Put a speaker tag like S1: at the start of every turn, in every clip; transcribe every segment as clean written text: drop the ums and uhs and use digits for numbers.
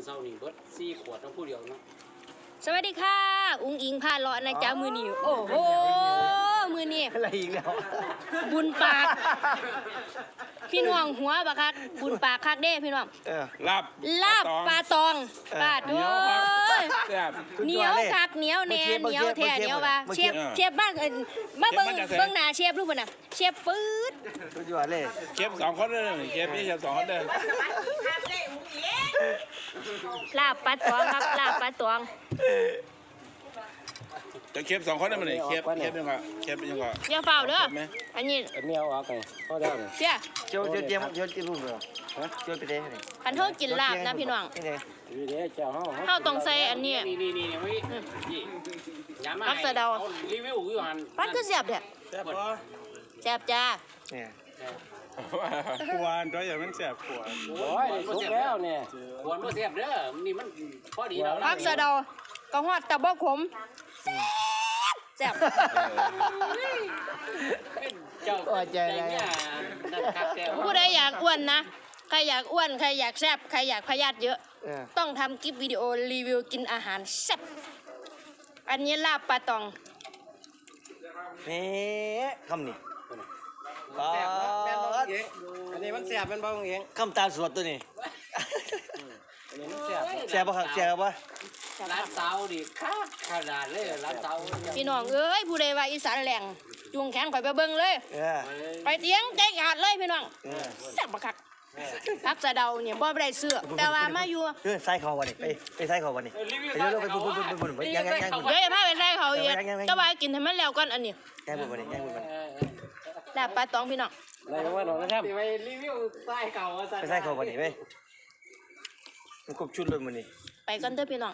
S1: เช้านี่เบิด4 ขวดทั้งผู้เดียวเนาะ
S2: สวัสดีค่ะอุ้งอิงพาเลาะนะจ๊ะมือนี้โอ้โหมือนี้
S3: อะไรอีกแล้ว
S2: บุญปากพี่น้องหัวบักคักบุญปากคักเด้พี่น้อง
S4: ลาบ
S2: ปลาตองปลาโอ้ยเหนียวคักเหนียวแน่เหนียวแท้เหนียวว่าเชฟบ้านมาเบิ่งหน้าเชฟรูปน่ะเชฟปื๊ด
S3: สุดยอดเลย
S4: เชฟ2 คนเลยเชฟนี่เชฟ2 คนเลย
S2: ลาบปลาตองครับลาบปลาตอง
S4: จะเชฟ2 คนได้มั้ยเชฟยังก็
S2: อย่าเฝ้าเด้ออันนี้
S1: เมียวเอาไปพอได้
S2: เสีย
S3: เจียวรูปเหรอเจียวไปได้ไหน
S2: คันเฮากินลาบนะพี่น้องเฮาต้องใส่อันนี้
S1: นี่
S2: มักสะเดา
S1: รีวิวอยู่หั่น
S2: ปันคือแซ่บแท้
S4: แซ่บบ่
S2: แซ่บจ้า
S3: เนี่ย
S4: ควรตัวอย่างมันแซ่บควร
S1: โอ้ยสุกแล้วเนี่ยควรบ่แซ่บเด้อนี่มันพอดีแล้ว
S2: มักสะเดาก็ฮอดแต่บ่ขมแซ่บ
S1: เจ้าใจเนี่ย
S2: ผู้ใดอยากอ้วนนะใครอยากอ้วนใครอยากแซ่บใครอยากพยาธิเยอะต้องทำคลิปวิดีโอรีวิวกินอาหารแซ่บอันนี้ลาบปลาตอง
S3: นี่คำนี้
S1: อันนี้มันแซ่บเป็นบ่เอง
S3: คำตาสวดตัวนี้แซ่บป่ะครับแซ่บป่ะ
S1: ร้านเตาดิคักขนาดเลยร้านเตา
S2: พี่น้องเอ้ยผู้ใดว่าอีสานแหลงจุงแขนข่อยไปเบิ่งเลยไปเตียงใจขาดเลยพี่น้องแซ่บบักคักพักสะเดาเนี่ยบ่ได้เสื้อแต่ว่ามาอยู่
S3: ใส่เขาวันนี้ไปใส่เขาวันนี้ไปเร็วไปปุ่นยัง
S2: เดี๋ยวจะพาไปใส่เขาอีกแต่ว่ากินให้มันแล้วก่อนอันนี้
S3: แก้ปุ่นวันนี้
S2: ลาบปลาตองพี่น้อง
S1: อะไรว่าน้องนะครับไปรีวิวใส่เขา
S3: ไปใส่เขาวันนี้ไปมันครบชุดเลยวันนี้
S2: ไปกันเถอะพี่น้อง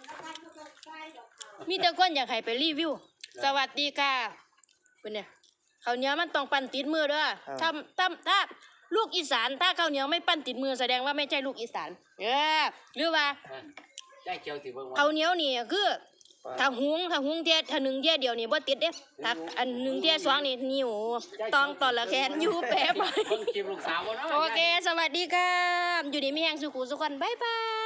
S2: มีแต่คนอยากให้ไปรีวิวสวัสดีค่ะเป็นเนี่ยข้าวเหนียวมันต้องปั้นติดมือเด้อถ้าลูกอีสานถ้าข้าวเหนียวไม่ปั้นติดมือแสดงว่าไม่ใช่ลูกอีสานหรือว่าข้าวเหนียวนี่คือถ้าหุงเทียถ้า1 เทียเดียวนี่บ่ติดเด้ถ้าอัน1 เทีย 2นี่นิ้วต้องตอนละแขนอยู่แป๊บโอเคสวัสดีค่ะอยู่ดีมีแรงสุขุสุขวันบ๊ายบาย